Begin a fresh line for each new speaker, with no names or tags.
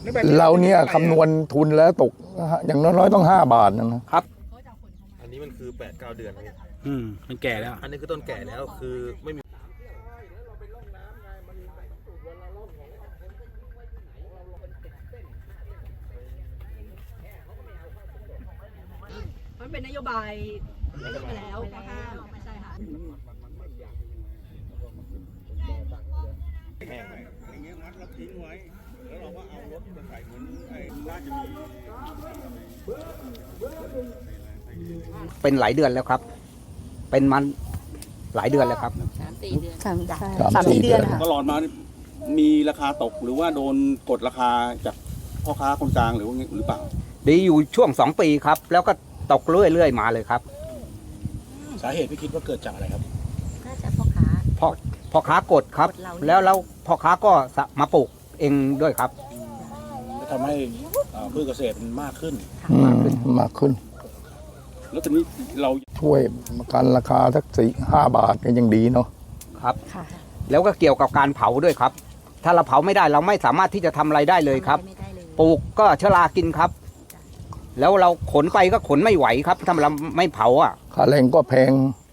เราเนี่ยคำนวณทุนแล้วตกอย่างน้อยๆต้อง5 บาทนะครับ
อันนี้มันคือ8-9 เดือนครับ
มันแก่แล้ว
อันนี้คือต้นแก่แล้วคือไม่มี
มันเป็นนโยบายไม่ได้มาแล้วห้ามไม่ใช่ค่ะ
เป็นหลายเดือนแล้วครับ เป็นมันหลายเดือนแล้วครับ
3-4 เดือน
3-4 เดือน
ตลอดมามีราคาตกหรือว่าโดนกดราคาจากพ่อค้าคนกลางหรือเปล่า
ดีอยู่ช่วง2 ปีครับ แล้วก็ตกเรื่อยๆมาเลยครับ
สาเหตุพี่คิดว่าเกิดจากอะไรครับ
น่าจะพ่อค้า
พ่อค้ากดครับ
กดเราเนี่ย
แล้วพ่อค้าก็มาปลูกเองด้วยครับ
ทำให้พืชเกษตรมันมากขึ้น
มากขึ้น
แล้วตอนนี้เรา
ช่วยกันราคาสัก4-5 บาทก็ยังดีเนาะ
ครับ แล้วก็เกี่ยวกับการเผาด้วยครับ ถ้าเราเผาไม่ได้เราไม่สามารถที่จะทำอะไรได้เลยครับ
ไม่ได้เลย
ปลูกก็เชื้อรากินครับ แล้วเราขนไปก็ขนไม่ไหวครับถ้าเราไม่เผาอ่ะ
ค่าแรงก็แพง